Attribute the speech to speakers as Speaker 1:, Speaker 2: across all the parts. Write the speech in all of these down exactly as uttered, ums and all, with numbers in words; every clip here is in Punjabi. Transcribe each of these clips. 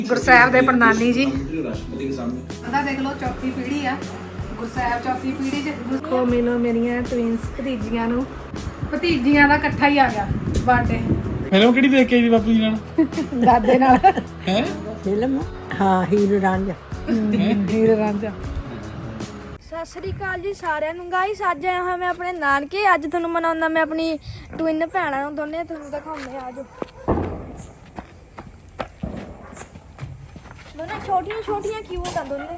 Speaker 1: ਗੁਰਸਾਹਿਬ ਦੇ ਪ੍ਰਣਾਨੀ ਜੀ ਉਹਦਾ ਦੇਖ ਲਓ ਚੌਥੀ ਪੀੜ੍ਹੀ ਆ। ਗੁਰਸਾਹਿਬ ਚੌਥੀ ਪੀੜ੍ਹੀ ਚ ਦੇਖੋ ਮਿਲੋ ਮੇਰੀਆਂ ਟਵਿੰਸ ਭਤੀਜੀਆਂ ਨੂੰ। ਭਤੀਜੀਆਂ ਦਾ ਇਕੱਠਾ ਹੀ ਆ ਗਿਆ ਬਰਥਡੇ।
Speaker 2: ਫਿਲਮ ਕਿਹੜੀ ਦੇਖ ਕੇ ਆਈ ਬਾਪੂ ਜੀ ਨਾਲ?
Speaker 1: ਦਾਦੇ ਨਾਲ
Speaker 2: ਹੈ
Speaker 3: ਫਿਲਮ ਹਾਂ ਹੀਰ ਰਾਂਝਾ।
Speaker 1: ਹੀਰ ਰਾਂਝਾ।
Speaker 4: ਸਤਿ ਸ੍ਰੀ ਅਕਾਲ ਜੀ ਸਾਰਿਆਂ ਨੂੰ। ਗਾਇਸ ਅੱਜ ਆਇਆ ਹਾਂ ਮੈਂ ਆਪਣੇ ਨਾਨਕੇ। ਅੱਜ ਤੁਹਾਨੂੰ ਮਨਾਉਂਦਾ ਮੈਂ ਆਪਣੀ ਟਵਿਨ ਭੈਣਾਂ ਨੂੰ, ਦੋਨੇ ਤੁਹਾਨੂੰ ਦਿਖਾਉਂਦੇ ਆ। ਅੱਜ ਦੋਨੇ ਛੋਟੀਆਂ ਛੋਟੀਆਂ ਕਿਊਟ ਆ ਦੋਨੇ।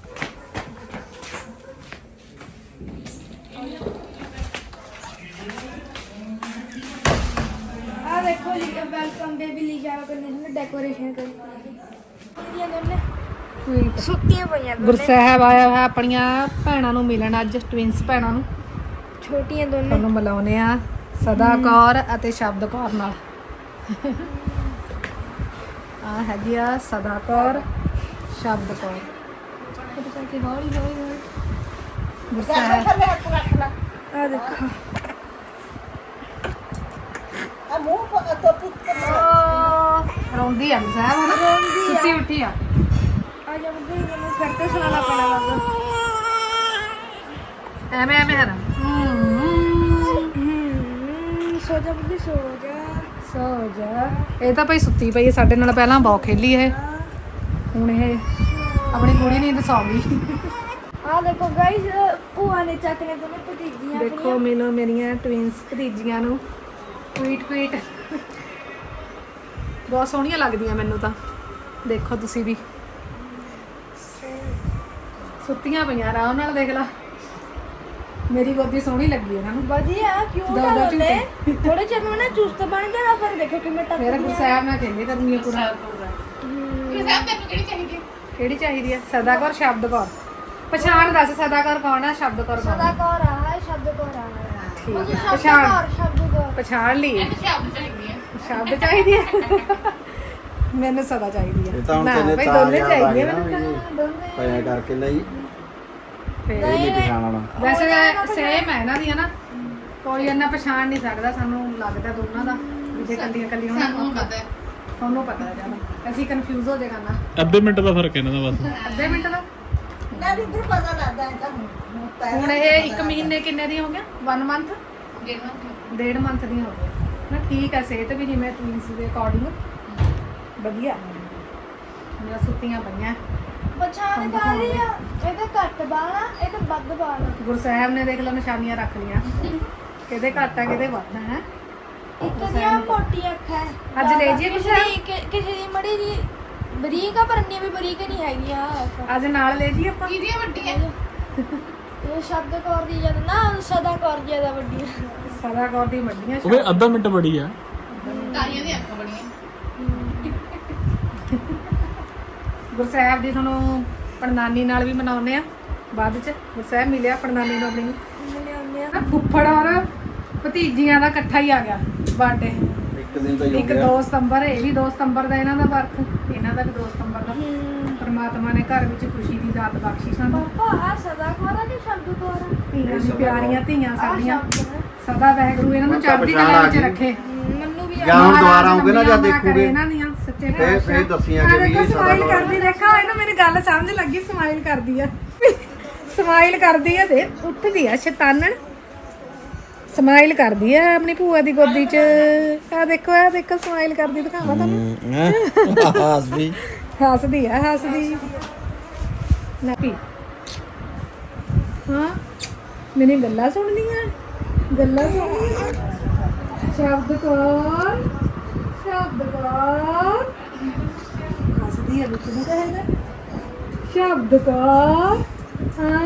Speaker 4: ਆ ਦੇਖੋ ਜੀ ਵੈਲਕਮ ਬੇਬੀ ਲਿਖਿਆ ਹੋਇਆ ਕੰਨੇ ਡੈਕੋਰੇਸ਼ਨ ਕਰੀ ਹੋਈ ਹੈ ਦੋਨੇ ਸੁੱਤੀਆਂ ਪਈਆਂ ਦੋਨੇ।
Speaker 1: ਗੁਰਸਾਹਿਬ ਆਇਆ ਹੋਇਆ ਆਪਣੀਆਂ ਭੈਣਾਂ ਨੂੰ ਮਿਲਣ। ਅੱਜ ਟਵਿੰਸ ਭੈਣਾਂ ਨੂੰ
Speaker 4: ਛੋਟੀਆਂ ਦੋਨੇ
Speaker 1: ਤੁਹਾਨੂੰ ਮਿਲਾਉਣੇ ਆ ਸਦਾ ਕੌਰ ਅਤੇ ਸ਼ਬਦ ਕੌਰ ਨਾਲ। ਆ ਹੈਗੀ ਆ ਸਦਾ ਕੌਰ ਸ਼ਬਦ ਕੌਰ। ਹੌਲੀ ਹੌਲੀ ਹੌਲੀ ਗੁਰਸਾਹਿਬ
Speaker 4: ਆ ਦੇਖੋ
Speaker 3: ਆ ਮੂੰਹ ਪਾ ਟੋਪੀ
Speaker 1: ਰੋਂਦੀ ਆ ਗੁਰਸਾਹਿਬ ਹੁਣ ਸੁੱਤੀ ਉੱਠੀ ਆ।
Speaker 4: ਆ ਜਾ ਮੁੰਡੇ ਨੂੰ ਫਿਰ ਤੇ ਸੁਣਾਉਣਾ ਪੈਣਾ ਲੱਗਦਾ।
Speaker 1: ਐਵੇਂ ਐਵੇਂ ਹੈ ਨਾ।
Speaker 4: ਸੋ ਜਾ ਬੁੱਢੀ ਸੋ ਜਾ
Speaker 1: ਸੋ ਜਾ। ਇਹ ਤਾਂ ਭਾਈ ਸੁੱਤੀ ਪਈ ਹੈ ਸਾਡੇ ਨਾਲ। ਪਹਿਲਾਂ ਬਹੁਤ ਖੇਲੀ ਇਹ, ਹੁਣ ਇਹ ਆਪਣੀ ਕੁੜੀ ਨੀਂਦ ਸੌਂ ਗਈ।
Speaker 4: ਆ ਦੇਖੋ ਗਾਇਸ ਭੂਆ ਨੇ ਚੱਕ ਨੇ ਦੋਨੇ ਭਤੀਜੀਆਂ
Speaker 1: ਦੇਖੋ ਮਿਲੋ ਮੇਰੀਆਂ ਟਵਿੰਸ ਭਤੀਜੀਆਂ ਨੂੰ। ਟਵੀਟ ਟਵੀਟ ਬਹੁਤ ਸੋਹਣੀਆਂ ਲੱਗਦੀਆਂ ਮੈਨੂੰ ਤਾਂ। ਦੇਖੋ ਤੁਸੀਂ ਵੀ ਸੁੱਤੀਆਂ ਪਈਆਂ ਆਰਾਮ ਨਾਲ। ਦੇਖ ਲਾ ਮੇਰੀ ਗੋਦੀ ਸੋਹਣੀ ਲੱਗੀ ਇਹਨਾਂ ਨੂੰ।
Speaker 4: ਵਧੀਆ ਕਿਉਂ
Speaker 1: ਦੋ
Speaker 4: ਤਾਂ
Speaker 1: ਦੋ
Speaker 4: ਦੋਨੇ ਥੋੜੇ ਚਿਰ ਨੂੰ ਨਾ ਚੁਸਤ ਬਣ ਜਾਣਾ। ਫਿਰ ਦੇਖੋ ਕਿਵੇਂ ਟੱਪ
Speaker 1: ਫਿਰ ਗੁਰਸਾਹਿਬ ਨਾਲ ਖੇਲੀ ਕਰਨੀ ਆ ਪੂਰਾ। ਕਿਹੜੀ ਚਾਹੀਦੀ ਆ? ਸਦਾ ਕੌਰ ਸ਼ਬਦ ਕੌਰ। ਪਛਾਣ ਦੱਸ ਸਦਾ ਕੌਰ ਕੌਣ ਆ, ਸ਼ਬਦ ਕੌਰ ਕੌਣ
Speaker 4: ਸਦਾ
Speaker 1: ਆ?
Speaker 4: ਕੌਰ ਆ ਹੈ ਸ਼ਬਦ ਕੌਰ ਆ
Speaker 1: ਠੀਕ ਆ,
Speaker 4: ਸ਼ਬਦ
Speaker 1: ਪਛਾਣ
Speaker 4: ਕੌਰ ਸ਼ਬਦ ਕੌਰ
Speaker 1: ਪਛਾਣ ਲਈ। ਸ਼ਬਦ ਚਾਹੀਦੀ ਆ ਮੈਨੂੰ ਸਦਾ ਚਾਹੀਦੀ ਆ।
Speaker 5: ਇਹ ਤਾਂ ਹੁਣ
Speaker 1: ਨਾ
Speaker 5: ਤੇਨੇ
Speaker 1: ਭਾਈ
Speaker 5: ਤਾਂ
Speaker 1: ਦੋਨੇ
Speaker 5: ਯਾਦ ਆ
Speaker 1: ਚਾਹੀਦੀਆਂ
Speaker 5: ਗਈ ਨਾ
Speaker 1: ਮੈਨੂੰ
Speaker 5: ਵੀ
Speaker 1: ਤਾਂ।
Speaker 5: ਪਾਇਆ ਕਰਕੇ ਨਹੀਂ
Speaker 1: ਫਿਰ
Speaker 5: ਇਹ ਨਹੀਂ ਪਛਾਣਨਾ।
Speaker 1: ਵੈਸੇ ਸੇਮ ਹੈ ਇਹਨਾਂ ਦੀ ਹਨਾ। ਕੋਈ ਇੰਨਾ ਪਛਾਣ ਨਹੀਂ ਸਕਦਾ। ਸਾਨੂੰ ਲੱਗਦਾ ਦੋਨਾਂ ਦਾ ਵੀ ਜੇ ਕੱਲੀਆਂ ਕੱਲੀਆਂ ਹੋਣ। ਸਾਨੂੰ ਪਤਾ ਤੁਹਾਨੂੰ ਪਤਾ ਹੈ ਜਿਆਦਾ। ਅਸੀਂ ਕਨਫਿਊਜ਼ ਹੋ ਜਾਏਗਾ ਨਾ।
Speaker 2: ਅੱਧੇ ਮਿੰਟ ਦਾ ਫਰਕ ਇਹਨਾਂ ਦਾ ਬਸ।
Speaker 1: ਅੱਧੇ ਮਿੰਟ ਦਾ।
Speaker 3: ਨਾ ਵੀ ਦਰ ਪਤਾ ਲੱਗਦਾ ਹੈ ਤਾਂ
Speaker 1: ਹੁਣ ਇਹ ਇੱਕ ਮਹੀਨੇ ਕਿੰਨੇ ਦੀ ਹੋ ਗਿਆ? ਵਨ ਮੰਥ ਡੇਢ ਮੰਥ ਦੀ ਹੋ ਗਈ ਨਾ। ਠੀਕ ਹੈ ਸਿਹਤ ਵੀ ਜਿਵੇਂ ਟਵਿੰਸ ਦੇ ਅਕੋਰਡਿੰਗ ਵਧੀਆ। ਮੇਰਾ ਸੁੱਤੀਆਂ ਪਈਆਂ।
Speaker 4: ਪਛਾਣ ਕਰ ਰਹੀ ਆ। ਇਹਦੇ ਘੱਟ ਬਾਲ ਆ, ਇਹਦੇ ਵੱਧ ਬਾਲ ਆ।
Speaker 1: ਗੁਰਸਾਹਿਬ ਨੇ ਦੇਖ ਲਓ ਨਿਸ਼ਾਨੀਆਂ ਰੱਖ ਲਈਆਂ। ਕਿਹਦੇ ਘੱਟ ਆ ਕਿਹਦੇ ਵੱਧ ਆ। ਹੈ
Speaker 4: ਇੱਕ ਦੀਆਂ ਮੋਟੀ ਅੱਖ ਹੈ।
Speaker 1: ਅੱਜ ਲੈ ਜਾਈਏ
Speaker 4: ਕਿਸੇ ਦੀ ਕਿ- ਕਿਸੇ ਦੀ ਮੜੀ ਜੀ ਬਰੀਕ ਆ, ਪਰ ਇੰਨੀ ਵੀ ਬਰੀਕ ਨਹੀਂ ਹੈਗੀ ਆ।
Speaker 1: ਅੱਜ ਨਾਲ ਲੈ ਜੀ ਆਪਾਂ।
Speaker 4: ਕਿਹਦੀਆਂ ਵੱਡੀਆਂ? ਇਹ ਸ਼ਬਦ ਕੌਰ ਦੀ ਜਦ ਨਾ ਸਦਾ ਕੌਰ ਜਿਆਦਾ ਵੱਡੀ ਆ।
Speaker 1: ਸਦਾ ਕੌਰ ਦੀ ਵੱਡੀਆਂ।
Speaker 2: ਉਹ ਵੀ ਅੱਧਾ ਮਿੰਟ ਬੜੀ ਆ।
Speaker 1: ਗੁਰਸਾਹਿਬ ਦੀ ਤੁਹਾਨੂੰ ਪ੍ਰਣਾਨੀ ਨਾਲ ਵੀ ਮਨਾਉਂਦੇ ਆ ਬਾਅਦ ਚ। ਗੁਰਸਾਹਿਬ ਮਿਲਿਆ ਪ੍ਰਣਾਨੀ ਨੂੰ ਆਪਣੀ ਨੂੰ।
Speaker 4: ਮਿਲੇ ਹੁੰਦੇ ਆ।
Speaker 1: ਨਾ ਫੁੱਫੜ ਔਰ ਭਤੀਜੀਆਂ ਦਾ ਇਕੱਠਾ ਹੀ ਆ ਗਿਆ ਬਰਥਡੇ।
Speaker 5: ਇੱਕ ਦਿਨ ਤਾਂ ਹੀ ਹੋ
Speaker 1: ਇੱਕ
Speaker 5: ਗਿਆ।
Speaker 1: ਦੋ ਸਤੰਬਰ। ਇਹ ਵੀ ਦੋ ਸਤੰਬਰ ਦਾ ਇਹਨਾਂ ਦਾ ਬਰਥ। ਇਹਨਾਂ ਦਾ ਵੀ ਦੋ ਸਤੰਬਰ ਦਾ। ਪਰਮਾਤਮਾ ਨੇ ਘਰ ਵਿੱਚ ਖੁਸ਼ੀ ਦੀ ਦਾਤ ਬਖਸ਼ੀ ਸਾਨੂੰ।
Speaker 4: ਪਾਪਾ ਆ ਸਦਾ ਕੌਰ ਆ ਕਿ ਸ਼ਬਦ ਕੌਰ ਆ?
Speaker 1: ਧੀਆਂ ਦੀ ਪਿਆਰੀਆਂ ਧੀਆਂ
Speaker 4: ਆ
Speaker 1: ਸਾਡੀਆਂ।
Speaker 4: ਸ਼ਬਦ ਆ।
Speaker 1: ਸਦਾ ਵਾਹਿਗੁਰੂ ਇਹਨਾਂ ਨੂੰ
Speaker 5: ਹੁਣ ਤਾਂ
Speaker 1: ਚੜ੍ਹਦੀ
Speaker 5: ਪਛਾਣ
Speaker 1: ਕਲਾ
Speaker 5: ਆ
Speaker 1: ਵਿੱਚ
Speaker 5: ਗਈ।
Speaker 1: ਰੱਖੇ।
Speaker 4: ਮੈਨੂੰ ਵੀ
Speaker 5: ਜਾਂ ਹੁਣ ਦੁਬਾਰਾ ਆਉਂਗੇ ਨਾ ਜਾਂ
Speaker 1: ਲੰਬੀਆਂ ਉਮਰਾਂ ਕਰੇ
Speaker 5: ਦੇਖੋਗੇ
Speaker 1: ਇਹਨਾਂ ਦੀਆਂ ਸੱਚੇ
Speaker 5: ਫੇਰ
Speaker 1: ਪਾਤਸ਼ਾਹ।
Speaker 5: ਫੇਰ ਦੱਸੀਆਂ ਕਿ ਵੀ ਇਹ ਸਦਾ
Speaker 1: ਸਮਾਈਲ
Speaker 5: ਕੌਰ
Speaker 1: ਕਰਦੀ ਦੇਖਾ ਇਹਨੂੰ ਮੇਰੀ ਗੱਲ ਸਮਝ ਲੱਗੀ। ਸਮਾਈਲ ਕਰਦੀ ਆ ਸਮਾਈਲ ਕਰਦੀ ਆ। ਦੇ ਉੱਠਦੀ ਆ ਸ਼ੈਤਾਨਣ। ਸਮਾਈਲ ਕਰਦੀ ਆ ਆਪਣੀ ਭੂਆ ਦੀ ਗੋਦੀ 'ਚ। ਆ ਦੇਖੋ ਆ ਦੇਖੋ ਸਮਾਈਲ ਕਰਦੀ ਦਿਖਾਵਾਂ ਤੁਹਾਨੂੰ।
Speaker 5: ਹਾਸ ਵੀ
Speaker 1: ਹੱਸਦੀ ਆ ਹੱਸਦੀ ਨਾ ਪੀ। ਹਾਂ ਮੈਨੂੰ ਗੱਲਾਂ ਸੁਣਦੀਆਂ ਗੱਲਾਂ ਸੁਣਦੀਆਂ। ਸ਼ਬਦ ਕੌਰ ਸ਼ਬਦ ਕੌਰ ਹੱਸਦੀ ਆ ਵਿੱਚ ਨੂੰ ਕਹੇਗਾ ਸ਼ਬਦ ਕੌਰ। ਹਾਂ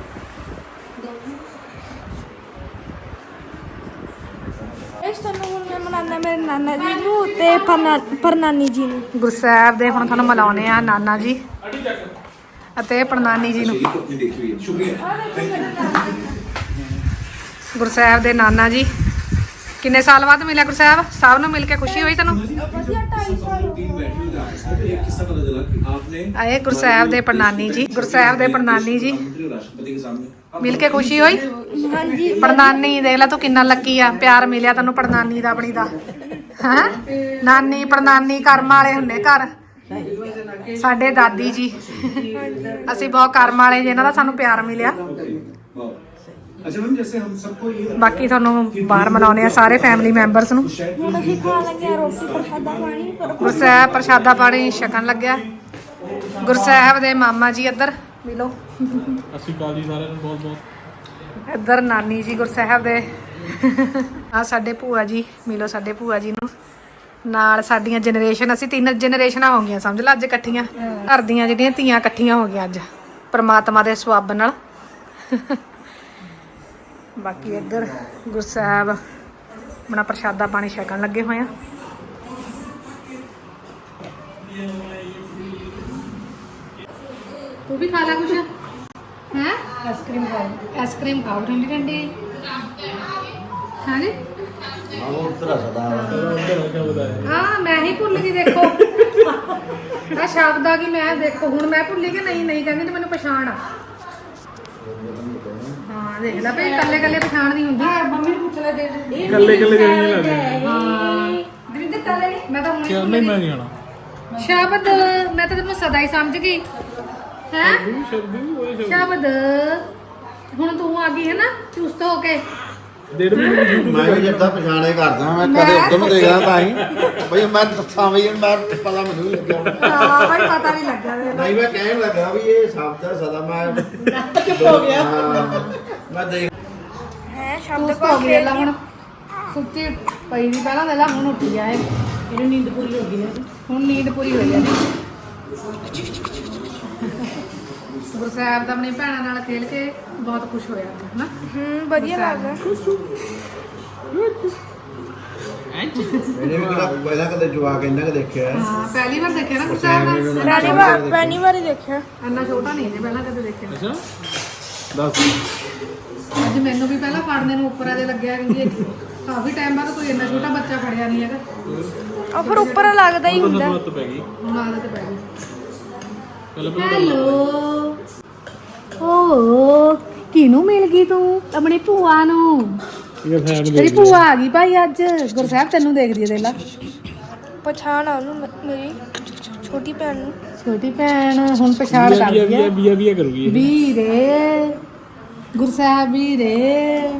Speaker 4: ਇਸ ਤੁਹਾਨੂੰ ਹੁਣ ਮੈਂ ਮਨਾਉਂਦਾ ਮੇਰੇ ਨਾਨਾ ਜੀ ਨੂੰ ਤੇ ਪਰਨਾ- ਪ੍ਰਨਾਨੀ ਜੀ ਨੂੰ।
Speaker 1: ਗੁਰਸਾਹਿਬ ਦੇ ਹੁਣ ਤੁਹਾਨੂੰ ਮਿਲਾਉਣੇ ਆ ਨਾਨਾ ਜੀ ਅਤੇ ਪ੍ਰਣਾਨੀ ਜੀ ਨੂੰ। ਗੁਰਸਾਹਿਬ ਦੇ ਨਾਨਾ ਜੀ ਕਿੰਨੇ ਸਾਲ ਬਾਅਦ ਮਿਲਿਆ ਗੁਰਸਾਹਿਬ? ਸਭ ਨੂੰ ਮਿਲ ਕੇ ਖੁਸ਼ੀ ਹੋਈ ਤੈਨੂੰ?
Speaker 4: ਵਧੀਆ ਢਾਈ ਸਾਲ ਹੋ ਗਏ।
Speaker 1: ਆਏ ਗੁਰਸਾਹਿਬ ਦੇ ਪ੍ਰਣਾਨੀ ਜੀ। ਗੁਰਸਾਹਿਬ ਦੇ ਪ੍ਰਣਾਨੀ ਜੀ ਮਿਲ ਕੇ ਖੁਸ਼ੀ ਹੋਈ?
Speaker 4: ਹਾਂਜੀ
Speaker 1: ਪ੍ਰਣਾਨੀ ਦੇਖ ਲੈ ਤੂੰ ਕਿੰਨਾ ਲੱਕੀ ਆ। ਪਿਆਰ ਮਿਲਿਆ ਤੈਨੂੰ ਪ੍ਰਣਾਨੀ ਦਾ ਆਪਣੀ ਦਾ। ਹੈ ਨਾਨੀ ਪ੍ਰਣਾਨੀ ਕਰਮ ਵਾਲੇ ਹੁੰਦੇ ਘਰ। ਸਾਡੇ ਦਾਦੀ ਜੀ ਅਸੀਂ ਬਹੁਤ ਕਰਮ ਵਾਲੇ ਜਿਨ੍ਹਾਂ ਦਾ ਸਾਨੂੰ ਪਿਆਰ ਮਿਲਿਆ। ਬਾਕੀ ਤੁਹਾਨੂੰ ਬਾਹਰ ਮਨਾਉਣੇ ਆ ਸਾਰੇ ਫੈਮਿਲੀ ਮੈਂਬਰਸ ਨੂੰ।
Speaker 4: ਹੁਣ ਅਸੀਂ ਖਾਣ ਲੱਗੇ ਆ ਰੋਟੀ ਪ੍ਰਸ਼ਾਦਾ ਪਾਣੀ ਪਰ
Speaker 1: ਗੁਰਸਾਹਿਬ ਪ੍ਰਸ਼ਾਦਾ ਪਾਣੀ ਛਕਣ ਲੱਗਿਆ। ਗੁਰਸਾਹਿਬ ਦੇ ਮਾਮਾ ਜੀ ਇੱਧਰ ਮਿਲੋ।
Speaker 2: ਅਸੀਂ ਕਾਲ ਜੀ ਸਾਰਿਆਂ ਨੂੰ ਬਹੁਤ ਬਹੁਤ।
Speaker 1: ਇੱਧਰ ਨਾਨੀ ਜੀ ਗੁਰਸਾਹਿਬ ਦੇ। ਆ ਸਾਡੇ ਭੂਆ ਜੀ ਮਿਲੋ ਸਾਡੇ ਭੂਆ ਜੀ ਨੂੰ। ਨਾਲ ਸਾਡੀਆਂ ਜਨਰੇਸ਼ਨ ਅਸੀਂ ਤਿੰਨ ਜਨਰੇਸ਼ਨਾਂ ਹੋ ਗਈਆਂ ਸਮਝ ਲਾ ਅੱਜ ਇਕੱਠੀਆਂ। ਘਰ ਦੀਆਂ ਜਿਹੜੀਆਂ ਧੀਆਂ ਇਕੱਠੀਆਂ ਹੋ ਗਈਆਂ ਅੱਜ ਪ੍ਰਮਾਤਮਾ ਦੇ ਸਵਾਬ ਨਾਲ। ਬਾਕੀ ਇੱਧਰ ਗੁਰਸਾਹਿਬ ਆਪਣਾ ਪ੍ਰਸ਼ਾਦਾ ਪਾਣੀ ਛਕਣ ਲੱਗੇ ਹੋਏ ਆ। ਤੂੰ ਵੀ ਖਾ ਲੈ ਕੁਛ ਹੈ? ਆਈਸਕ੍ਰੀਮ ਖਾਓ। ਆਈਸਕ੍ਰੀਮ ਖਾਓ ਠੰਡੀ ਠੰਡੀ। ਹਾਂਜੀ
Speaker 5: ਉਹ ਉਤਰਾ ਸਦਾ
Speaker 1: ਹਾਂ ਮੈਂ ਹੀ ਭੁੱਲ ਗਈ। ਦੇਖੋ ਆ ਸ਼ਬਦ ਆ ਕਿ ਮੈਂ ਦੇਖੋ ਹੁਣ ਮੈਂ ਭੁੱਲੀ ਕਿ ਨਹੀਂ ਨਹੀਂ ਕਹਿੰਦੀ ਤੇ ਮੈਨੂੰ ਪਛਾਣ ਆ। ਹਾਂ ਦੇਖ ਲੈ ਭਈ ਕੱਲੇ ਕੱਲੇ ਪਛਾਣ ਨਹੀਂ ਹੁੰਦੀ। ਮੰਮੀ ਨੂੰ ਪੁੱਛ ਲੈ ਦੇ
Speaker 2: ਕੱਲੇ ਕੱਲੇ ਜਿਵੇਂ ਨਹੀਂ ਲੱਗਦੇ।
Speaker 1: ਹਾਂ ਦਵਿੰਦਰ ਕੱਲੇ ਮੈਂ ਤਾਂ ਹੁਣ
Speaker 2: ਕਿਉਂ ਨਹੀਂ ਮੈਂ ਨਹੀਂ ਆਣਾ।
Speaker 1: ਸ਼ਬਦ ਮੈਂ ਤਾਂ ਤੈਨੂੰ ਸਦਾ ਹੀ ਸਮਝ ਗਈ ਹੈ।
Speaker 2: ਸ਼ਬਦ ਵੀ ਉਹਦੇ ਸ਼ਬਦ
Speaker 1: ਸ਼ਬਦ ਹੁਣ ਤੂੰ ਆ ਗਈ ਹੈ ਨਾ ਚੁਸਤ ਹੋ ਕੇ।
Speaker 2: ਡੇਢ ਮਹੀਨੇ ਦੀ YouTube
Speaker 5: ਮੈਂ ਵੀ ਜਿੱਦਾਂ ਪਛਾਣੇ ਕਰਦਾ ਮੈਂ ਕਦੇ ਉਧਰ ਨੂੰ ਦੇਖਦਾ ਤਾਂ ਹੀ ਬਈ ਮੈਂ ਦੱਸਾਂ ਬਈ ਮੈਂ ਪਤਾ ਮੈਨੂੰ ਨਹੀਂ ਲੱਗਿਆ।
Speaker 1: ਹਾਂ ਭਾਈ ਪਤਾ ਨਹੀਂ ਲੱਗਾ।
Speaker 5: ਨਹੀਂ ਮੈਂ ਕਹਿਣ ਲੱਗਾ ਵੀ ਇਹ ਸ਼ਬਦ ਹੈ ਸਦਾ ਮੈਂ ਚੁੱਪ ਹੋ ਗਿਆ। ਮੈਂ ਦੇਖ
Speaker 4: ਹੈ
Speaker 1: ਤੂੰ
Speaker 4: ਸ਼ਬਦ
Speaker 1: ਸੋ ਗਈ ਲੈ ਹੁਣ ਸੁੱਤੀ ਪਈ ਦੀ ਪਹਿਲਾਂ ਦੇ ਲਾ ਹੁਣ ਉੱਠੀ ਆ ਇਹ। ਇਹਨੂੰ ਨੀਂਦ ਪੂਰੀ ਹੋ ਗਈ ਨੇ ਹੁਣ ਨੀਂਦ ਪੂਰੀ ਹੋਈ ਆ। ਗੁਰਸਾਹਿਬ ਤਾਂ ਆਪਣੀ ਭੈਣਾਂ ਨਾਲ ਖੇਲ ਕੇ ਬਹੁਤ ਖੁਸ਼ ਹੋਇਆ ਹਨਾ।
Speaker 4: ਹੂੰ ਵਧੀਆ ਲੱਗਦਾ।
Speaker 5: ਇਹਨੇ ਵੀ ਕਿਹੜਾ ਪਹਿਲਾਂ ਕਦੇ ਜਵਾਕ ਇੰਨਾ ਕਿ ਦੇਖਿਆ
Speaker 1: ਹਾਂ ਪਹਿਲੀ ਵਾਰ ਦੇਖਿਆ ਨਾ ਗੁਰਸਾਹਿਬ ਦਾ।
Speaker 4: ਪਹਿਲੀ ਵਾਰ ਪਹਿਲੀ ਵਾਰ ਹੀ ਦੇਖਿਆ।
Speaker 1: ਇੰਨਾ ਛੋਟਾ ਨਹੀਂ ਇਹਨੇ ਪਹਿਲਾਂ ਕਦੇ ਦੇਖਿਆ।
Speaker 2: ਅੱਛਾ ਦੱਸ।
Speaker 1: ਅੱਜ ਮੈਨੂੰ ਵੀ ਪਹਿਲਾਂ ਫੜਨੇ ਨੂੰ ਉੱਪਰ ਆਜੇ ਲੱਗਿਆ ਕਿ ਕਾਫੀ ਟਾਈਮ ਬਾਅਦ ਕੋਈ ਇੰਨਾ ਛੋਟਾ ਬੱਚਾ ਫੜਿਆ ਨਹੀਂ ਹੈਗਾ।
Speaker 4: ਉਹ ਫਿਰ ਉੱਪਰ ਲੱਗਦਾ ਹੀ ਹੁੰਦਾ।
Speaker 2: ਹੱਥ ਪੈ ਗਈ
Speaker 1: ਹੁਣ ਆਦਤ ਪੈ ਗਈ।
Speaker 2: ਪਹਿਲਾਂ ਪਹਿਲਾਂ
Speaker 1: ਹੈਲੋ ਓ ਕਿਹਨੂੰ ਮਿਲ ਗਈ ਤੂੰ? ਆਪਣੀ ਭੂਆ ਨੂੰ।
Speaker 2: ਇਹ ਫੈਨ
Speaker 1: ਤੇਰੀ ਭੂਆ ਆ ਗਈ ਭਾਈ ਅੱਜ। ਗੁਰਸਾਹਿਬ ਤੈਨੂੰ ਦੇਖਦੀ ਹੈ ਦੇਖ ਲਾ।
Speaker 4: ਪਛਾਣ ਆ ਉਹਨੂੰ ਮ- ਮੇਰੀ ਛੋਟੀ ਭੈਣ ਨੂੰ।
Speaker 1: ਛੋਟੀ ਭੈਣ ਹੁਣ ਪਛਾਣ
Speaker 2: ਬੀਆ
Speaker 1: ਕਰਦੀ
Speaker 2: ਬੀਆ
Speaker 1: ਹੈ।
Speaker 2: ਬੀਆ ਬੀਆ ਕਰੂਗੀ ਇਹ।
Speaker 1: ਵੀਰੇ ਗੁਰਸਾਹਿਬ ਵੀਰੇ।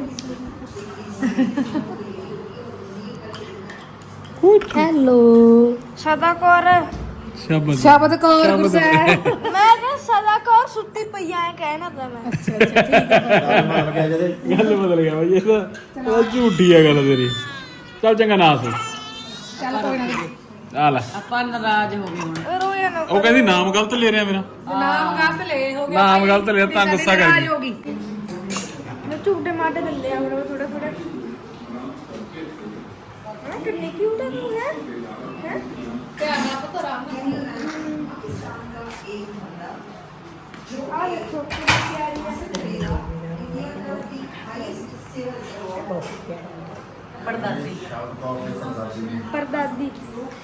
Speaker 1: ਹੈਲੋ
Speaker 4: ਸਦਾ ਕੌਰ
Speaker 2: ਸ਼ਬਦ
Speaker 1: ਸ਼ਬਦ ਕੌਰ ਗੁਰਸਾਹਿਬ।
Speaker 4: ਮੈਂ ਕਿਹਾ ਸਦਾ ਕੌਰ ਸੁੱਤੀ ਪਈ ਐ ਕਹਿਣਾ ਤਾਂ ਮੈਂ।
Speaker 1: ਅੱਛਾ ਅੱਛਾ ਠੀਕ ਹੈ।
Speaker 5: ਮਾਰ ਗਿਆ ਜਦੇ
Speaker 2: ਗੱਲ ਬਦਲ ਗਿਆ ਬਾਈ ਇਹ ਤਾਂ ਉਹ ਝੂਠੀ ਆ ਗੱਲ ਤੇਰੀ। ਚੱਲ ਚੰਗਾ ਨਾ ਸੋ
Speaker 1: ਚੱਲ ਕੋਈ ਨਾ।
Speaker 2: ਆ ਲੈ
Speaker 3: ਆਪਾਂ ਨਾਰਾਜ਼ ਹੋ ਗਏ ਹੁਣ।
Speaker 4: ਰੋਇਆ ਨਾ
Speaker 2: ਉਹ ਕਹਿੰਦੀ ਨਾਮ ਗਲਤ ਲੈ ਰਿਹਾ ਮੇਰਾ।
Speaker 1: ਨਾਮ ਗਲਤ ਲੈ ਹੋ ਗਿਆ।
Speaker 2: ਨਾਮ ਗਲਤ ਲਿਆ ਤਾਂ ਗੁੱਸਾ ਕਰ ਗਈ।
Speaker 1: ਹੋ ਗਈ।
Speaker 4: ਮੈਂ ਝੂਟੇ ਮਾਰਦੇ ਥੱਲੇ ਆ ਥੋੜਾ ਥੋੜਾ ਥੋੜਾ। ਹਾਂ ਕਿੰਨੀ ਕਿਊਟ ਹੈ ਤੂੰ ਹੈ ਹੈ ਆ ਦੇਖੋ ਕਿੰਨੀ ਪਿਆਰੀ ਹੈ।
Speaker 3: ਪਰਦਾਦੀ
Speaker 4: ਪਰਦਾਦੀ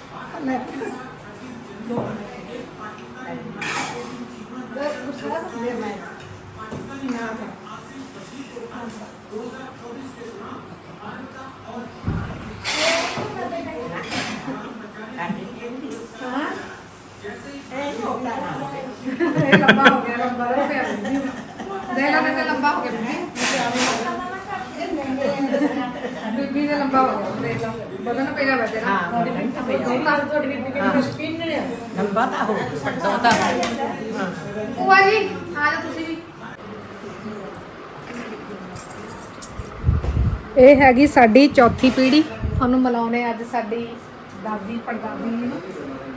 Speaker 1: ਇਹ ਲੰਬਾ ਹੋ ਗਿਆ ਲੰਬਾ ਹੋ ਗਿਆ। ਦੇ ਲਾ ਦੇ ਲੰਬਾ ਹੋ ਗਿਆ ਬੀਬੀ ਦੇ ਲੰਬਾ ਹੋ ਗਿਆ। ਦੇਖ ਲਾ ਬਦਨ ਪਏਗਾ ਵੈਸੇ ਨਾ। ਹਾਂ ਤੁਹਾਡੀ ਬੀਬੀ ਕਿੰਨੀ ਸਪਿਨ ਨੇ।
Speaker 3: ਲੰਬਾ ਤਾਂ ਹੋ ਪੱਟੋ ਤਾਂ
Speaker 1: ਭੂਆ ਜੀ ਆ ਜਾ ਤੁਸੀਂ ਵੀ। ਇਹ ਹੈਗੀ ਸਾਡੀ ਚੌਥੀ ਪੀੜ੍ਹੀ। ਤੁਹਾਨੂੰ ਮਿਲਾਉਣੇ ਅੱਜ ਸਾਡੀ ਦਾਦੀ ਪੜਦਾਦੀ ਜੀ ਨੂੰ।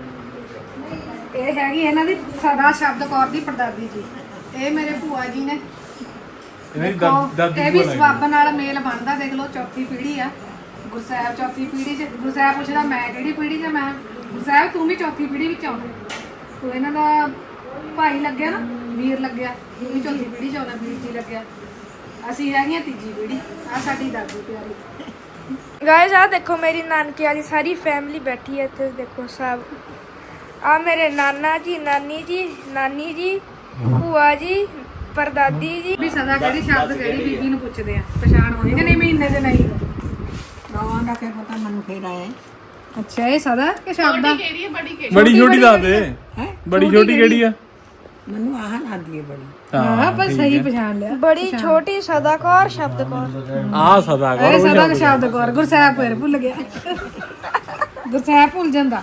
Speaker 1: ਇਹ ਹੈਗੀ ਇਹਨਾਂ ਦੀ ਸਦਾ ਸ਼ਬਦ ਕੌਰ ਦੀ ਪੜਦਾਦੀ ਜੀ। ਇਹ ਮੇਰੇ ਭੂਆ ਜੀ ਨੇ।
Speaker 2: ਇਹਦੀ
Speaker 1: ਦੇਖੋ,
Speaker 2: ਦਾਦੀ
Speaker 1: ਇਹ ਵੀ
Speaker 2: ਭੂਆ ਲੱਗੀ।
Speaker 1: ਸਵਾਬ ਨਾਲ ਮੇਲ ਬਣਦਾ। ਦੇਖ ਲਓ ਚੌਥੀ ਪੀੜ੍ਹੀ ਆ। ਗੁਰਸਾਹਿਬ ਚੌਥੀ ਪੀੜ੍ਹੀ ਚ। ਗੁਰਸਾਹਿਬ ਪੁੱਛਦਾ ਮੈਂ ਕਿਹੜੀ ਪੀੜ੍ਹੀ ਚ? ਮੈਂ ਗੁਰਸਾਹਿਬ ਤੂੰ ਵੀ ਚੌਥੀ ਪੀੜ੍ਹੀ ਵਿੱਚ ਆਉਂਦਾ। ਤੂੰ ਇਹਨਾਂ ਦਾ ਭਾਈ ਲੱਗਿਆ ਨਾ ਵੀਰ ਲੱਗਿਆ। ਤੂੰ ਵੀ ਚੌਥੀ ਪੀੜ੍ਹੀ ਚ ਆਉਂਦਾ ਵੀਰ ਜੀ ਲੱਗਿਆ। ਅਸੀਂ ਹੈਗੀਆਂ ਤੀਜੀ ਪੀੜ੍ਹੀ। ਆ ਸਾਡੀ ਦਾਦੀ ਪਿਆਰੀ।
Speaker 4: ਗਾਇਸ ਆ ਦੇਖੋ ਮੇਰੀ ਨਾਨਕੇ ਵਾਲੀ ਸਾਰੀ ਫੈਮਿਲੀ ਬੈਠੀ ਹੈ ਇੱਥੇ ਦੇਖੋ ਸਭ। ਆ ਮੇਰੇ ਨਾਨਾ ਜੀ ਨਾਨੀ ਜੀ ਨਾਨੀ ਜੀ ਭੂਆ ਜੀ ਪਰਦਾਦੀ ਜੀ।
Speaker 1: ਵੀ ਸਦਾ ਕਿਹੜੀ ਸ਼ਬਦ ਕਿਹੜੀ ਬੀਬੀ ਨੂੰ ਪੁੱਛਦੇ ਆ ਪਛਾਣ ਹੋਣੀ ਕਿ ਨਹੀਂ ਮਹੀਨੇ ਦੇ ਨਹੀਂ।
Speaker 3: ਗਾਵਾਂ ਦਾ ਕੀ ਪਤਾ ਮੈਨੂੰ ਫੇਰ ਆਇਆ
Speaker 1: ਅੱਛਾ ਇਹ ਸਦਾ ਕਿ ਸ਼ਬਦਾ
Speaker 2: ਬੜੀ ਛੋਟੀ ਦੱਸ ਦੇ ਬੜੀ ਛੋਟੀ ਕਿਹੜੀ ਆ
Speaker 3: ਮੈਨੂੰ ਆਹ ਲੱਗਦੀ ਹੈ ਬੜੀ
Speaker 1: ਹਾਂ ਪਰ ਸਹੀ ਪਛਾਣ ਲਿਆ
Speaker 4: ਬੜੀ ਛੋਟੀ ਸਦਾਕੌਰ ਸ਼ਬਦਕੌਰ
Speaker 2: ਆ ਸਦਾ
Speaker 1: ਇਹ ਸਦਾ ਦਾ ਸ਼ਬਦ ਕੌਰ ਗੁਰਸਾਹਿਬ ਫਿਰ ਭੁੱਲ ਗਿਆ ਗੁਰਸਾਹਿਬ ਭੁੱਲ ਜਾਂਦਾ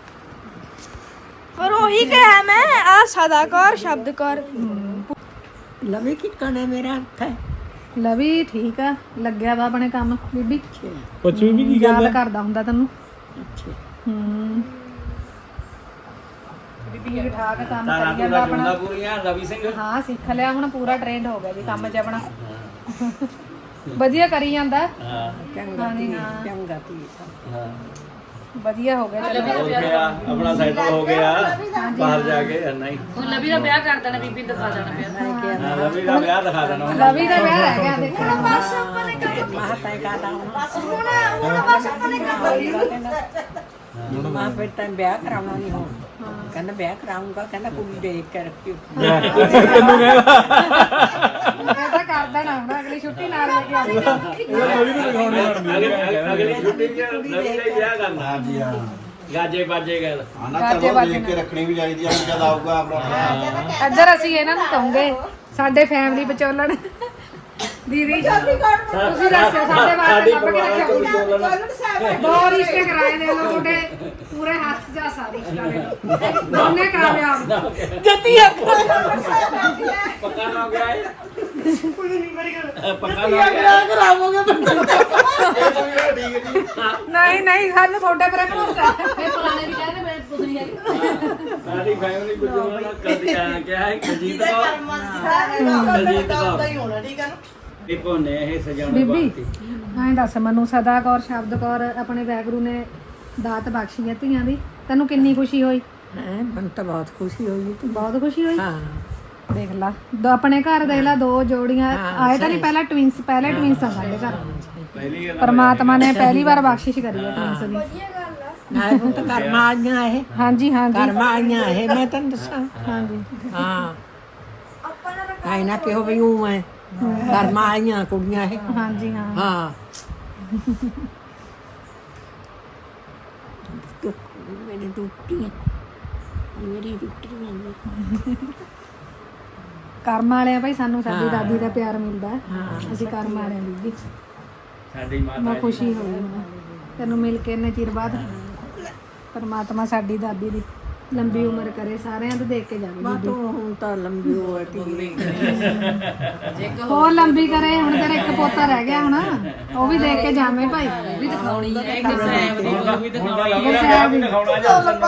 Speaker 4: ਪਰ ਉਹੀ ਕਿਹਾ ਮੈਂ ਆ ਸਦਾਕੌਰ ਸ਼ਬਦਕੌਰ
Speaker 3: ਲਵੇ ਕਿ ਕਣੇ ਮੇਰਾ ਹੱਥ ਹੈ
Speaker 1: ਲਵੀ ਠੀਕ ਆ ਲੱਗਿਆ ਵਾ ਆਪਣੇ ਕੰਮ ਬੀਬੀ
Speaker 2: ਪੁੱਛ ਵੀ ਕੀ
Speaker 1: ਯਾਦ
Speaker 2: ਕਹਿੰਦਾ
Speaker 1: ਕਰਦਾ ਹੁੰਦਾ ਤੈਨੂੰ
Speaker 3: ਅੱਛਾ
Speaker 1: ਹੂੰ ਬੀਬੀ ਠੀਕ ਠਾਕ ਕੰਮ ਕਰੀ ਜਾਂਦਾ ਆਪਣਾ
Speaker 6: ਪੂਰੀਆਂ ਰਵੀ ਸਿੰਘ
Speaker 1: ਹਾਂ ਸਿੱਖ ਲਿਆ ਹੁਣ ਪੂਰਾ ਟ੍ਰੇਨਡ ਹੋ ਗਿਆ ਜੀ ਕੰਮ 'ਚ ਆਪਣਾ ਵਧੀਆ ਕਰੀ ਜਾਂਦਾ
Speaker 6: ਹਾਂ
Speaker 1: ਹਾਂਜੀ ਹਾਂ
Speaker 3: ਚੰਗਾ ਤੀ
Speaker 6: ਹਾਂ
Speaker 1: ਵਧੀਆ ਹੋ ਗਿਆ ਚਲੋ
Speaker 6: ਹੋ ਗਿਆ ਆਪਣਾ ਸੈਟਲ ਹੋ ਗਿਆ ਬਾਹਰ ਜਾ ਕੇ ਨਹੀਂ
Speaker 3: ਹੁਣ ਲਵੀ ਦਾ ਵਿਆਹ ਕਰ ਦੇਣਾ ਬੀਬੀ ਨੂੰ ਦਿਖਾ ਦੇਣਾ ਪਿਆ
Speaker 6: ਹਾਂ ਰਵੀ ਦਾ ਵਿਆਹ ਦਿਖਾ ਦੇਣਾ
Speaker 1: ਲਵੀ ਦਾ ਵਿਆਹ ਰਹਿ ਗਿਆ ਦੇਖੋ
Speaker 4: ਬਸ ਆਪਾਂ ਨੇ ਕੰਮ
Speaker 3: ਮਾਂ ਤੈ ਕਾਦਾ
Speaker 4: ਬਸ ਹੁਣ ਹੁਣ ਬਸ ਆਪਾਂ ਨੇ ਕੰਮ
Speaker 3: ਮਾਂ ਫਿਰ ਤਾਂ ਵਿਆਹ ਕਰਾਉਣਾ ਨਹੀਂ ਹੋ ਕਹਿੰਦਾ ਵਿਆਹ ਕਰਾਉਂਗਾ ਕਹਿੰਦਾ ਕੁੜੀ ਦੇਖ ਕੇ ਰੱਖਿਓ
Speaker 2: ਤੈਨੂੰ ਕਹਿੰਦਾ
Speaker 1: ਇਹ ਤਾਂ ਕਰ ਦੇਣਾ ਹੁਣ ਅਗਲੀ ਛੁੱਟੀ ਨਾਲ ਲੈ ਕੇ ਆਉਂਦੀ
Speaker 2: ਇਹ ਨਵੀਂ ਨੂੰ ਦਿਖਾਉਣੀ ਬਣਦੀ ਹੈ
Speaker 6: ਅਗਲੀ ਛੁੱਟੀ ਚ ਰਵੀ ਦਾ ਹੀ ਵਿਆਹ ਕਰਨਾ
Speaker 5: ਹਾਂਜੀ ਹਾਂ
Speaker 6: ਗਾਜੇ ਬਾਜੇ ਗੱਲ
Speaker 5: ਆਣਾ ਤਾਂ ਦੇਖ ਕੇ ਰੱਖਣੀ ਵੀ ਚਾਹੀਦੀ ਆ ਜਦ ਆਊਗਾ ਆਪਣਾ
Speaker 1: ਇੱਧਰ ਅਸੀਂ ਇਹਨਾਂ ਨੂੰ ਕਹੂੰਗੇ ਸਾਡੇ ਫੈਮਿਲੀ ਵਿਚੋਲਣ ਦੀਦੀ ਤੁਸੀਂ ਦੱਸੋ ਸਾਡੇ ਵਾਸਤੇ ਲੱਭ ਕੇ ਰੱਖਿਓ ਦੋ ਰਿਸ਼ਤੇ ਕਰਾਏ ਦੇ ਲੋ ਤੁਹਾਡੇ ਪੂਰੇ ਹੱਥ ਜਾ ਸਾਰੇ ਰਿਸ਼ਤੇ ਦੋਨੇ ਕਾਮਯਾਬ
Speaker 6: ਪੱਕਾ ਨਾ ਹੋ ਗਿਆ ਹੈ ਪੱਕਾ ਨਾ ਹੋ ਗਿਆ
Speaker 1: ਨਹੀਂ ਨਹੀਂ ਸਾਨੂੰ ਤੁਹਾਡੇ ਪਰ ਭਰੋਸਾ
Speaker 3: ਇਹ ਪੁਰਾਣੇ ਵੀ ਕਹਿੰਦੇ ਮੈਂ ਕੁਝ ਨਹੀਂ ਹੈਗੀ
Speaker 6: ਸਾਡੀ ਫੈਮਿਲੀ ਕੁਝ ਨਾ ਕਦੀ ਆ ਕਿਹਾ ਹੈ ਕਜੀਤ ਕੋ ਕਜੀਤ ਕੋ ਇਹ ਕੋਨੇ ਇਹ ਸਜਾਉਣੇ
Speaker 1: ਬੀਬੀ
Speaker 6: ਬਾਤੀ
Speaker 1: ਐਂ ਦੱਸ ਮੈਨੂੰ ਸਦਾ ਕੌਰ ਸ਼ਬਦ ਕੌਰ ਆਪਣੇ ਵੈਗਰੂ ਨੇ ਦਾਤ ਬਖਸ਼ੀ ਹੈ ਧੀਆਂ ਦੀ ਤੈਨੂੰ ਕਿੰਨੀ ਖੁਸ਼ੀ ਹੋਈ
Speaker 3: ਹੈ ਮਨ ਤਾਂ ਬਹੁਤ ਖੁਸ਼ੀ ਹੋਈ ਤੂੰ
Speaker 1: ਬਹੁਤ ਖੁਸ਼ੀ ਹੋਈ
Speaker 3: ਹਾਂ
Speaker 1: ਦੇਖ ਲਾ ਦੋ ਆਪਣੇ ਘਰ ਦੇਖ ਲਾ ਦੋ ਜੋੜੀਆਂ ਆਏ ਤਾਂ ਨਹੀਂ ਪਹਿਲਾਂ ਟਵਿੰਸ ਪਹਿਲੇ ਟਵਿੰਸ ਆ ਸਾਡੇ ਘਰ
Speaker 6: ਪਹਿਲੀ ਗੱਲ
Speaker 1: ਪਰਮਾਤਮਾ ਨੇ ਪਹਿਲੀ ਵਾਰ ਬਖਸ਼ਿਸ਼ ਕਰੀ ਹੈ ਟਵਿੰਸ ਦੀ
Speaker 4: ਵਧੀਆ ਗੱਲ ਆ
Speaker 3: ਨਾਲੇ ਹੁਣ ਤਾਂ ਕਰਮਾਂ ਆਈਆਂ ਇਹ
Speaker 1: ਹਾਂਜੀ ਹਾਂਜੀ
Speaker 3: ਕਰਮਾਂ ਆਈਆਂ ਇਹ ਮੈਂ ਤੈਨੂੰ ਦੱਸਾਂ
Speaker 1: ਹਾਂਜੀ
Speaker 3: ਹਾਂ
Speaker 4: ਆਪਾਂ ਨੇ
Speaker 3: ਆਈ ਨਾ ਕਿਹੋ ਵੀ ਉਹ ਹੈ ਕਰਮਾਂ ਆਈਆਂ ਕੁੜੀਆਂ ਇਹ
Speaker 1: ਹਾਂਜੀ ਹਾਂ
Speaker 3: ਹਾਂ ਮੇਰੀ ਟੁੱਟੀਆਂ ਮੇਰੀ ਟੁੱਟੀਆਂ
Speaker 1: ਕਰਮ ਵਾਲਿਆਂ ਭਾਈ ਸਾਨੂੰ ਸਾਡੀ ਦਾਦੀ ਦਾ ਪਿਆਰ ਮਿਲਦਾ ਹੈ। ਅਸੀਂ ਕਰਮ ਵਾਲਿਆਂ ਦੀ ਜੀ
Speaker 6: ਸਾਡੀ ਮਾਤਾ
Speaker 1: ਮੈਂ ਖੁਸ਼ੀ ਹੋਈ ਮੈਨੂੰ ਤੈਨੂੰ ਮਿਲ ਕੇ ਇੰਨੇ ਚਿਰ ਬਾਅਦ ਪਰਮਾਤਮਾ ਸਾਡੀ ਦਾਦੀ ਦੀ ਲੰਬੀ ਉਮਰ ਕਰੇ ਸਾਰਿਆਂ ਦੇ ਦੇਖ ਕੇ ਜਾਵੇ
Speaker 3: ਮੈਂ ਤਾਂ ਹੁਣ ਤਾਂ ਲੰਬੀ ਹੋ ਗਈ
Speaker 1: ਹੋਰ ਲੰਬੀ ਕਰੇ ਹੁਣ ਤੇਰਾ ਇੱਕ ਪੋਤਾ ਰਹਿ ਗਿਆ ਹੁਣ ਉਹ ਵੀ ਦੇਖ ਕੇ ਜਾਵੇਂ ਭਾਈ
Speaker 3: ਵੀ ਦਿਖਾਉਣੀ ਹੈ ਇੱਕ ਸੈਬ ਦੀ ਉਹ ਵੀ ਦਿਖਾਉਣੀ
Speaker 1: ਗੁਰਸਾਹਿਬ ਦੀ
Speaker 6: ਦਿਖਾਉਣਾ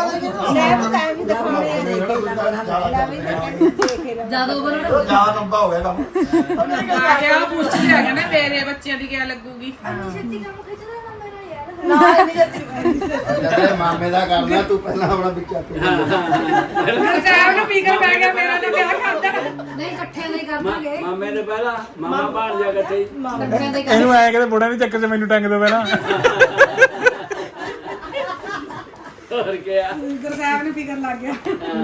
Speaker 6: ਜਾਂ
Speaker 3: ਜਦੋਂ ਬਣ
Speaker 5: ਜਿਆਦਾ ਲੰਬਾ ਹੋ ਗਿਆ ਕੰਮ
Speaker 7: ਆ ਪੁੱਛ ਲਿਆ ਕਹਿੰਦਾ ਮੇਰੇ ਬੱਚਿਆਂ ਦੀ ਕਿਆ ਲੱਗੂਗੀ
Speaker 4: ਅੰਨੀ ਛੇਤੀ ਕੰਮ ਖਿੱਚਦਾ ਨਾ ਮੇਰਾ ਯਾਰ
Speaker 5: ਤੇਰੇ ਮਾਮੇ ਦਾ ਕਰਨਾ ਤੂੰ ਪਹਿਲਾਂ ਆਪਣਾ ਵਿੱਚ ਆਪੇ
Speaker 1: ਗੁਰਸਾਹਿਬ ਨੂੰ ਪੀਕਰ ਪੈ ਗਿਆ ਮੇਰਾ ਤੇ ਵਿਆਹ ਕਰਦਾ ਨਹੀਂ ਇਕੱਠੇ ਨਹੀਂ ਕਰਦਾਂਗੇ
Speaker 6: ਮਾਮੇ ਦੇ ਪਹਿਲਾਂ ਮਾਮਾ ਭਾਣ ਜਾ ਇਕੱਠੇ
Speaker 1: ਇਕੱਠੇ ਦੇ
Speaker 2: ਇਹਨੂੰ ਐ ਕਹਿੰਦੇ ਬੁੜਿਆਂ ਦੇ ਚੱਕਰ 'ਚ ਮੈਨੂੰ ਟੰਗ ਦੋ ਪਹਿਲਾਂ
Speaker 6: ਹੋਰ ਕਿਆ
Speaker 1: ਗੁਰਸਾਹਿਬ ਨੂੰ ਪੀਕਰ ਲੱਗ ਗਿਆ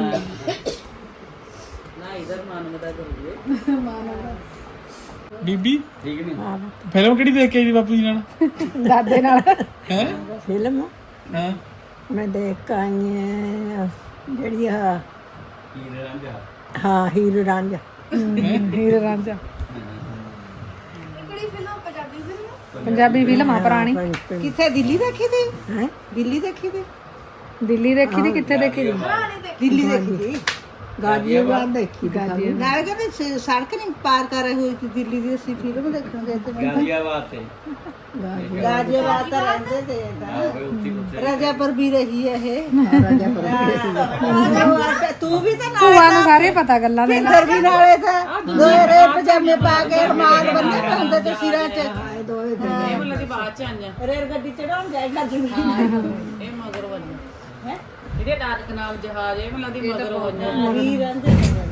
Speaker 3: ਨਾ ਇਧਰ ਮਾਨਵਤਾ ਕਰੀਏ
Speaker 2: ਬੀਬੀ
Speaker 6: ਠੀਕ ਨਹੀਂ
Speaker 2: ਫਿਲਮ ਕਿਹੜੀ ਦੇਖ ਕੇ ਆਈ ਦੀ ਬਾਪੂ ਜੀ ਨਾਲ
Speaker 1: ਦਾਦੇ ਨਾਲ
Speaker 2: ਹੈ
Speaker 3: ਫਿਲਮ
Speaker 2: ਹਾਂ
Speaker 3: ਮੈਂ ਦੇਖ ਆਈ ਹਾਂ ਜਿਹੜੀ ਆ
Speaker 6: ਹੀਰੇ ਰਾਂਝਾ
Speaker 3: ਹਾਂ ਹੀਰ ਰਾਂਝਾ
Speaker 1: ਹੀਰ ਰਾਂਝਾ
Speaker 4: ਕਿਹੜੀ film Punjabi film
Speaker 1: Punjabi film ਆ ਪੁਰਾਣੀ
Speaker 7: ਕਿੱਥੇ ਦਿੱਲੀ ਦੇਖੀ ਤੀ
Speaker 3: ਹੈ
Speaker 7: ਦਿੱਲੀ ਦੇਖੀ ਤੀ
Speaker 1: ਦਿੱਲੀ ਦੇਖੀ ਦੀ ਕਿੱਥੇ ਦੇਖੀ ਦੀ
Speaker 7: ਦਿੱਲੀ ਦੇਖੀ ਤੀ
Speaker 3: ਗਾਜ਼ੀਆਬਾਦ ਦੇਖੀ ਗਾਜ਼ੀ
Speaker 7: ਨਾਲੇ ਕਹਿੰਦੇ ਸ- ਸੜਕ ਨਹੀਂ ਪਾਰ ਕਰ ਰਹੇ ਹੋਈ ਸੀ ਦਿੱਲੀ ਦੀ ਅਸੀਂ ਫਿਲਮ ਦੇਖਣ ਗਏ ਤੇ
Speaker 6: ਗਾਜ਼ੀਆਬਾਦ ਤੇ
Speaker 7: ਗਾਜ਼ੀਆਬਾਦ ਤਾਂ ਰਹਿੰਦੇ ਤੇ ਤਾਂ
Speaker 6: ਉੱਥੇ ਉੱਥੇ
Speaker 7: ਰਾਜਾਪੁਰ ਵੀ ਰਹੀ ਹੈ ਇਹ ਰਾਜਾਪੁਰ ਤੂੰ ਵੀ ਤਾਂ ਨਾਲ
Speaker 1: ਭੂਆ ਨੂੰ ਸਾਰੇ ਪਤਾ ਗੱਲਾਂ ਦੇ
Speaker 7: ਪਿੰਦਰ ਵੀ ਨਾਲੇ ਤਾਂ ਦੋਰੇ ਪਜਾਮੇ ਪਾ ਕੇ ਰਮਾਲ ਬੰਨੇ ਹੁੰਦੇ ਤੇ ਸਿਰਾਂ 'ਚ
Speaker 3: ਦੋਏ ਦਿਨ
Speaker 7: ਇਹ ਮਤਲਬ ਦੀ ਬਾਅਦ 'ਚ ਆਈਆਂ ਰੇਲ ਗੱਡੀ ਚੜਾਉਣ ਜਾਏਗਾ ਜਿਵੇਂ
Speaker 3: ਇਹ ਮਗਰ ਵੰਨ ਹੈ ਜਿਹੜੇ ਨਾਨਕ ਨਾਮ ਜਹਾਜ਼ ਇਹ ਮਤਲਬ ਦੀ ਮਗਰ ਵੰਨ
Speaker 7: ਵੀਰ ਅੰਦਰ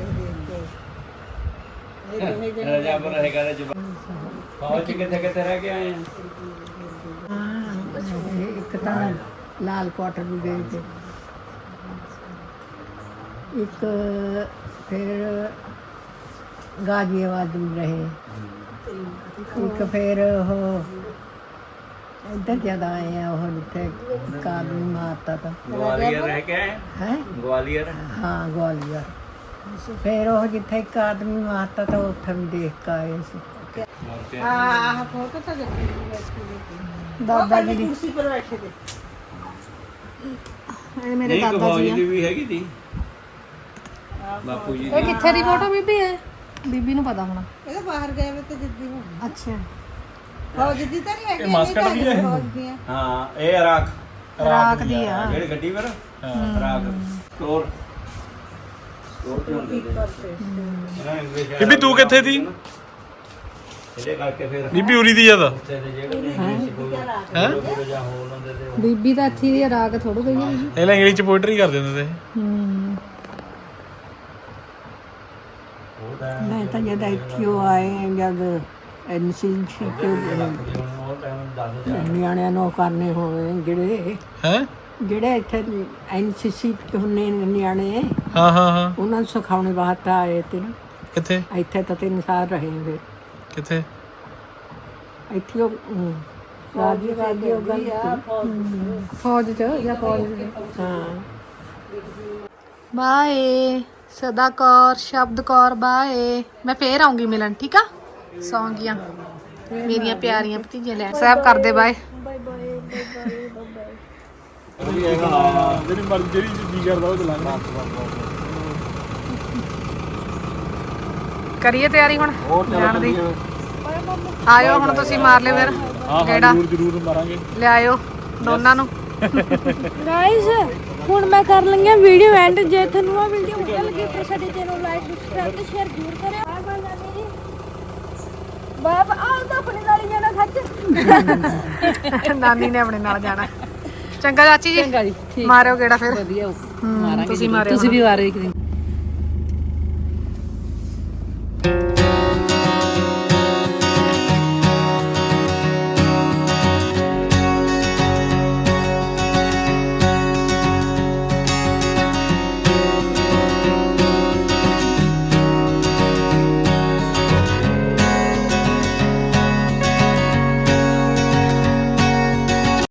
Speaker 6: ਰਾਜਾਪੁਰ ਹੈਗਾ ਤੇ ਜਵਾਨ ਫੌਜ 'ਚ ਕਿੱਥੇ ਕਿੱਥੇ ਰਹਿ ਕੇ ਆਏ ਆ
Speaker 3: ਇੱਕ ਤਾਂ ਲਾਲ ਕੋਟ ਵੀ ਗਏ ਤੇ ਇੱਕ ਫਿਰ ਗਾਜ਼ੀਆਬਾਦ ਵੀ ਰਹੇ ਇੱਕ ਫਿਰ ਉਹ
Speaker 7: ਇੱਧਰ ਜਿਆਦਾ ਆਏ ਆ ਉਹ ਜਿੱਥੇ ਕਾਦ ਨੂੰ ਮਾਰਤਾ ਤਾਂ
Speaker 6: ਗਵਾਲੀਅਰ ਰਹਿ ਕੇ ਆਏ
Speaker 7: ਹੈ
Speaker 6: ਗਵਾਲੀਅਰ
Speaker 7: ਹਾਂ ਗਵਾਲੀਅਰ ਫਿਰ ਉਹ ਜਿੱਥੇ ਇੱਕ ਆਦਮੀ ਮਾਰਤਾ ਤਾਂ ਉੱਥੇ ਵੀ ਦੇਖ ਕੇ ਆਏ ਸੀ
Speaker 1: ਆਹ ਫੋਟੋ ਤਾਂ ਦੇਖੀ ਦਾਦਾ ਜੀ ਦੀ
Speaker 7: ਕੁਰਸੀ ਪਰ ਬੈਠੇ ਤੇ
Speaker 1: ਇਹ ਮੇਰੇ
Speaker 6: ਨਹੀਂ
Speaker 1: ਦਾਦਾ
Speaker 6: ਗਵਾਲੀ
Speaker 1: ਜੀ ਆ
Speaker 6: ਦੀ ਵੀ ਹੈਗੀ ਤੀ ਬਾਪੂ ਜੀ
Speaker 1: ਇਹ ਕਿੱਥੇ ਦੀ ਫੋਟੋ ਬੀਬੀ ਹੈ ਬੀਬੀ ਨੂੰ ਪਤਾ ਹੋਣਾ
Speaker 7: ਇਹ ਬਾਹਰ ਗਏ ਵੇ ਤੇ ਜਿੱਦੀ ਹੁਣ
Speaker 1: ਅੱਛਾ
Speaker 7: ਫੌਜ ਦੀ ਤਾਂ ਨਹੀਂ ਹੈਗੀ
Speaker 2: ਇਹ ਮਾਸਕਟ ਵੀ ਹੈ
Speaker 7: ਫੌਜ ਦੀ ਆ
Speaker 6: ਹਾਂ ਇਹ ਰਾਖ
Speaker 1: ਰਾਖ ਦੀ ਆ
Speaker 6: ਜਿਹੜੀ ਗੱਡੀ ਪਰ ਰਾਖ ਸਟੋਰ ਸਟੋਰ ਤੇ ਹੁੰਦੇ ਨੇ
Speaker 2: ਬੀਬੀ ਤੂੰ ਕਿੱਥੇ ਦੀ
Speaker 6: ਇਹਦੇ ਕਰਕੇ ਫਿਰ
Speaker 2: ਬੀਬੀ ਉਰੀ ਦੀ ਜ਼ਿਆਦਾ
Speaker 6: ਉੱਥੇ ਦੇ ਜਿਹੜੇ ਨਹੀਂ ਕੋਈ ਹੈ ਜਾਂ ਹੋ ਉਹਨਾਂ ਦੇ ਤੇ
Speaker 1: ਬੀਬੀ ਤਾਂ ਇੱਥੇ ਦੀ ਰਾਗ ਥੋੜੂ ਗਈ ਹੈ
Speaker 2: ਇਹ ਲੈ ਇੰਗਲਿਸ਼ ਚ ਪੋਇਟਰੀ ਕਰਦੇ ਹੁੰਦੇ ਤੇ
Speaker 1: ਹੂੰ
Speaker 7: ਮੈਂ ਤਾਂ ਜਦ ਇੱਥੇ ਉਹ ਆਏ ਜਦ ਐਨਸੀ ਕੇ
Speaker 6: ਉਹ ਟਾਈਮ ਦੱਸ
Speaker 7: ਨਿਆਣਿਆਂ ਨੂੰ ਕਰਨੇ ਹੋਵੇ ਜਿਹੜੇ
Speaker 2: ਹੈ
Speaker 7: ਜਿਹੜੇ ਇੱਥੇ ਐਨਸੀਸੀ ਚ ਹੁੰਨੇ ਨੇ ਨਿਆਣੇ
Speaker 2: ਹਾਂ ਹਾਂ ਹਾਂ
Speaker 7: ਉਹਨਾਂ ਨੂੰ ਸਿਖਾਉਣੇ ਵਾਸਤੇ ਆਏ ਤੇ ਨਾ
Speaker 2: ਕਿੱਥੇ
Speaker 7: ਇੱਥੇ ਤਾਂ ਤਿੰਨ ਸਾਲ ਰਹੇ ਫਿਰ
Speaker 2: ਕਿੱਥੇ
Speaker 7: ਇੱਥੇ ਉਹ ਰਾਜੀ ਰਾਜੀ ਉਹ ਗੱਲ
Speaker 1: ਫੌਜ ਚ ਜਾਂ ਫੌਜ ਚ
Speaker 7: ਹਾਂ
Speaker 1: ਬਾਏ ਸਦਾ ਕੌਰ ਸ਼ਬਦ ਕੌਰ ਬਾਏ ਮੈਂ ਫੇਰ ਆਉਂਗੀ ਮਿਲਣ ਠੀਕ ਆ ਸੌਂ ਗਈਆਂ ਮੇਰੀਆਂ ਪਿਆਰੀਆਂ ਭਤੀਜੀਆਂ ਲੈ ਸਾਹਿਬ ਕਰਦੇ ਬਾਏ
Speaker 2: ਜਿਹੜੀ ਮਰਜ਼ੀ ਜਿਹੜੀ ਜੀ ਕਰਦਾ ਉਹ ਚਲਾਣਾ
Speaker 1: ਕਰੀਏ ਤਿਆਰੀ ਹੁਣ ਜਾਣ ਦੀ ਆਇਓ ਹੁਣ ਤੁਸੀਂ ਮਾਰ ਲਿਓ ਫਿਰ
Speaker 2: ਹਾਂ
Speaker 1: ਕਿਹੜਾ
Speaker 2: ਜ਼ਰੂਰ ਜ਼ਰੂਰ ਮਾਰਾਂਗੇ
Speaker 1: ਲਿਆਇਓ ਦੋਨਾਂ ਨੂੰ
Speaker 4: ਗਾਇਸ ਹੁਣ ਮੈਂ ਕਰ ਲਈਆਂ ਵੀਡੀਓ ਐਂਡ ਜੇ ਤੁਹਾਨੂੰ ਆ ਵੀਡੀਓ ਵਧੀਆ ਲੱਗੀ ਫਿਰ ਸਾਡੇ ਚੈਨਲ ਨੂੰ ਲਾਈਕ ਸਬਸਕ੍ਰਾਈਬ ਤੇ ਸ਼ੇਅਰ ਜ਼ਰੂਰ ਕਰਿਓ ਬਾਏ ਬਾਏ ਨਾਨੀ ਜੀ ਬਾਏ ਬਾਏ ਆਹ ਤਾਂ ਆਪਣੇ ਨਾਲ ਹੀ ਜਾਣਾ ਸੱਚ
Speaker 1: ਨਾਨੀ ਨੇ ਆਪਣੇ ਨਾਲ ਜਾਣਾ ਚੰਗਾ ਚਾਚੀ ਜੀ ਚੰਗਾ ਜੀ ਮਾਰਿਓ ਕਿਹੜਾ ਫਿਰ
Speaker 3: ਵਧੀਆ
Speaker 1: ਮਾਰਾਂਗੇ ਤੁਸੀਂ ਮਾਰਿਓ
Speaker 3: ਤੁਸੀਂ ਵੀ ਵਾਰੇ ਇੱਕ ਦਿਨ